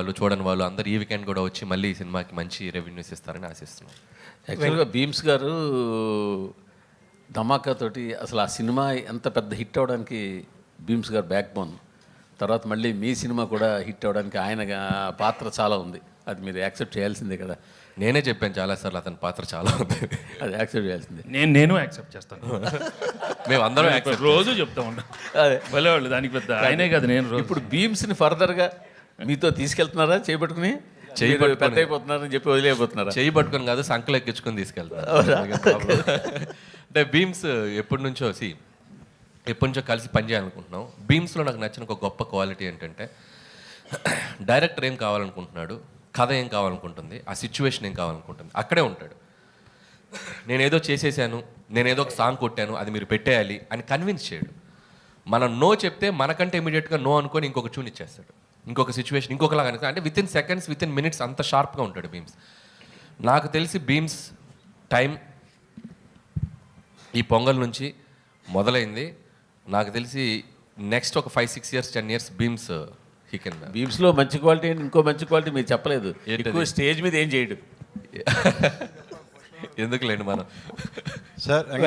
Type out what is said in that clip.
వాళ్ళు చూడని వాళ్ళు అందరు ఈ వీకెండ్ కూడా వచ్చి మళ్ళీ ఈ సినిమాకి మంచి రెవెన్యూస్ ఇస్తారని ఆశిస్తున్నాం. యాక్చువల్గా భీమ్స్ గారు ధమాకా తోటి అసలు ఆ సినిమా ఎంత పెద్ద హిట్ అవ్వడానికి భీమ్స్ గారు బ్యాక్ బోన్. తర్వాత మళ్ళీ మీ సినిమా కూడా హిట్ అవ్వడానికి ఆయన పాత్ర చాలా ఉంది. అది మీరు యాక్సెప్ట్ చేయాల్సిందే కదా. నేనే చెప్పాను చాలాసార్లు అతని పాత్ర చాలా ఉంది, అది యాక్సెప్ట్ చేయాల్సిందే. నేను యాక్సెప్ట్ చేస్తాను. మేము అందరం యాక్సెప్ట్ రోజు చెప్తా ఉంటాం. అదే భలేవాళ్ళు దానికి పెద్ద ఆయనే కదా. నేను రోజు ఇప్పుడు భీమ్స్ని ఫర్దర్గా మీతో తీసుకెళ్తున్నారా చేపట్టుకుని? పెద్ద అయిపోతున్నారని చెప్పి వదిలేకపోతున్నారా? చేయి పట్టుకొని కాదు, సంకలు ఎక్కించుకొని తీసుకెళ్తాను. అంటే భీమ్స్ ఎప్పటి నుంచో కలిసి పనిచేయాలనుకుంటున్నాం. భీమ్స్లో నాకు నచ్చిన ఒక గొప్ప క్వాలిటీ ఏంటంటే డైరెక్టర్ ఏం కావాలనుకుంటున్నాడు, కథ ఏం కావాలనుకుంటుంది, ఆ సిచ్యువేషన్ ఏం కావాలనుకుంటుంది, అక్కడే ఉంటాడు. నేనేదో చేసేసాను, నేనేదో ఒక సాంగ్ కొట్టాను, అది మీరు పెట్టేయాలి అని కన్విన్స్ చేయడు. మనం నో చెప్తే మనకంటే ఇమీడియట్గా నో అనుకొని ఇంకొక ట్యూన్ ఇచ్చేస్తాడు, ఇంకొక సిచ్యువేషన్ ఇంకొకలాగా. అంటే వితిన్ సెకండ్స్, వితిన్ మినిట్స్ అంత షార్ప్గా ఉంటాడు భీమ్స్. నాకు తెలిసి భీమ్స్ టైం ఈ పొంగల్ నుంచి మొదలైంది. నాకు తెలిసి నెక్స్ట్ ఒక 5-6 years 10 years భీమ్స్ హీ కెన్. భీమ్స్లో మంచి క్వాలిటీ, ఇంకో మంచి క్వాలిటీ మీరు చెప్పలేదు. ఏంటది? ఎక్కువ స్టేజ్ మీద ఏం చేయడు. ఎందుకులేండి మనం సార్